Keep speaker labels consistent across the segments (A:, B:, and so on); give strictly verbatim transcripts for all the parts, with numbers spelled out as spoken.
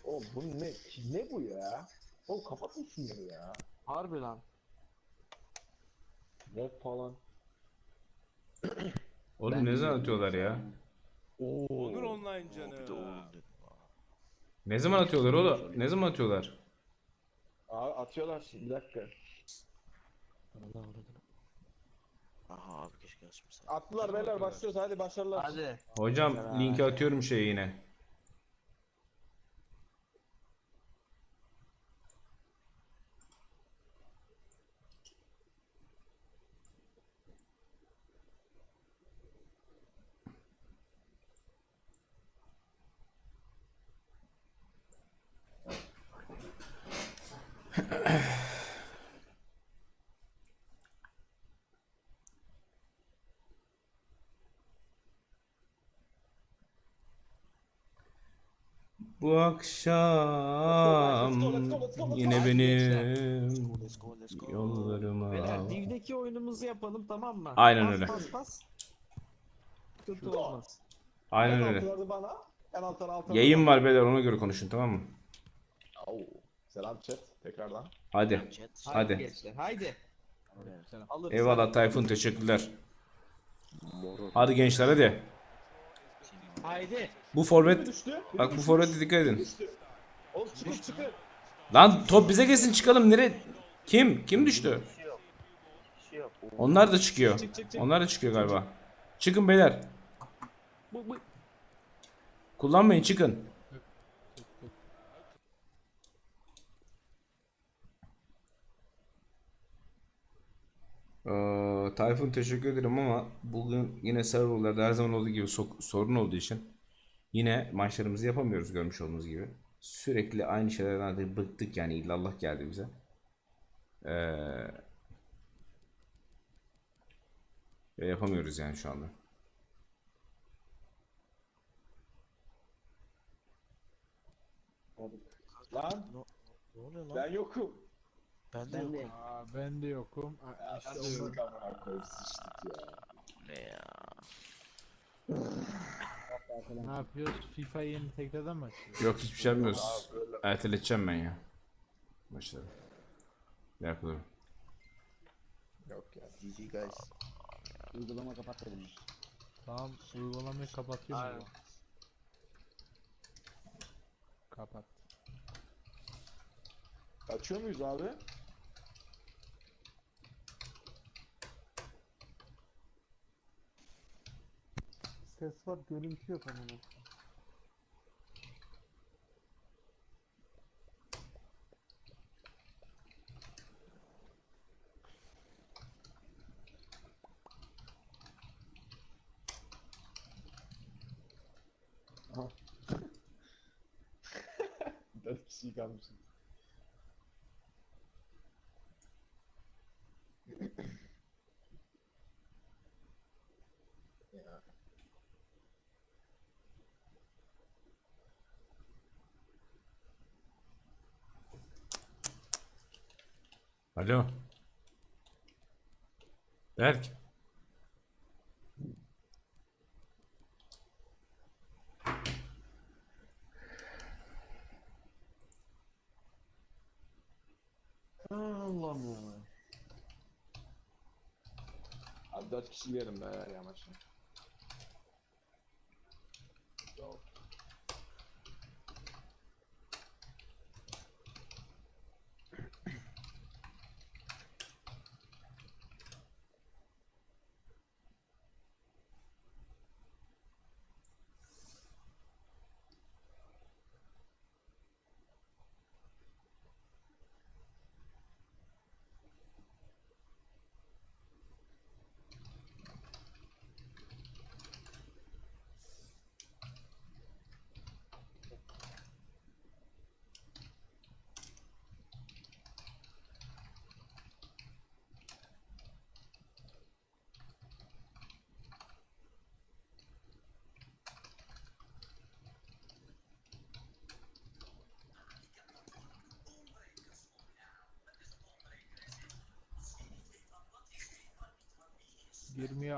A: Oğlum bu ne? Ne bu ya? Oğlum kapatın şunları ya.
B: Harbi lan.
A: Rap falan.
C: Oğlum ne zaman atıyorlar ya?
A: Oo.
D: Onur Online
E: Oo,
D: canı.
E: bir de oğlum dedim.
C: Ne zaman atıyorlar oğlum? Ne zaman atıyorlar?
A: Abi atıyorlar şimdi bir dakika.
E: Allah avradını. Aha abi keşke açmışsın.
A: Attılar beyler
D: atıyorlar?
A: başlıyoruz hadi başarılar.
B: Hadi.
C: Hocam linki atıyorum şeye yine. Bu akşam yine benim
E: Let's go let's go.
C: yollarıma.
B: Beyler Div'deki oyunumuzu yapalım tamam mı?
C: Aynen
B: Pas,
C: öyle.
B: Pas pas. Sıkıntı
A: Şurada.
B: olmaz.
C: Aynen
A: En
C: öyle.
A: altları bana. En altları altları
C: Yayın
A: bana.
C: var beyler, ona göre konuşun, tamam mı?
A: Oo. Selam chat tekrardan.
C: Hadi.
E: Chat.
B: Haydi,
C: Hadi.
B: gençler haydi.
E: Evet.
B: Alırız.
C: Eyvallah Tayfun, teşekkürler. Hadi gençler hadi.
B: Haydi.
C: Bu
A: Biri
C: forvet,
A: düştü. biri
C: bak bu
A: düşmüş,
C: forvete dikkat
A: biri
C: edin.
A: düştü. Oğlum çıkın çıkın.
C: Lan top bize gelsin, çıkalım. Nereye? Kim? Kim düştü? Onlar da çıkıyor.
B: Çık, çık, çık.
C: Onlar da çıkıyor galiba. Çıkın beyler.
B: Bu, bu.
C: Kullanmayın, çıkın. Ee, Tayfun teşekkür ederim ama bugün yine serverlarda her zaman olduğu gibi so- sorun olduğu için yine maçlarımızı yapamıyoruz, görmüş olduğunuz gibi. Sürekli aynı şeylerden artık bıktık, yani illallah geldi bize. Ee, ve yapamıyoruz yani şu anda.
A: Lan
E: Ne oluyor lan?
A: ben yokum.
E: Ben de yokum.
F: Aa, ben de yokum. Aa,
A: Ya
F: işte
A: ben
F: o-
A: yokum amına koyayım sıçtık ya.
E: Ne ya?
F: Ne yapıyoruz? FIFA'yı yeni tekrardan mı açıyoruz?
C: Yok, hiçbir şey yapmıyoruz. Erteleteceğim ben ya. Başladım. Bir dakika durun.
A: Yok ya.
E: G G guys.
G: Uygulama kapat dedim.
F: Tamam, uygulamayı kapatıyorum.
B: Aynen.
F: ya. Kapat.
A: Açıyor muyuz abi?
G: Ses var, görüntü yok ama.
A: Dört kişi kalmışız. Ya.
C: Alo. Berk.
B: Allah'ım ya.
A: Abi dört kişi yerim be ya maçı. Yok.
F: Girmiyor.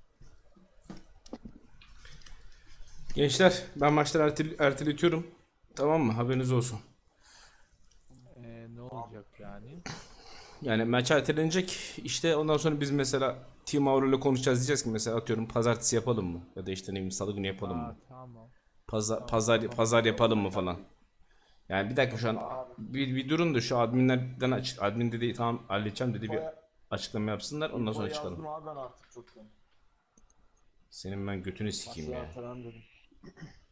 C: Gençler, ben maçları ertel erteletiyorum. Tamam mı? Haberiniz olsun.
F: Ee, ne olacak yani?
C: Yani maç ertelenecek. İşte ondan sonra biz mesela Team Avro ile konuşacağız, diyeceğiz ki mesela atıyorum pazartesi yapalım mı? Ya da işte ne bileyim salı günü yapalım
F: Aa,
C: mı?
F: tamam.
C: Pazar pazar pazar yapalım mı falan. Yani bir dakika şu an bir, bir durun da şu adminlerden açık admin dedi tamam halledeceğim dedi bir açıklama yapsınlar ondan sonra
A: İnfoyu
C: çıkalım.
A: yazdım abi ben artık çoktan.
C: Senin ben götünü sikeyim
A: Masaya
C: ya.
A: falan dedim.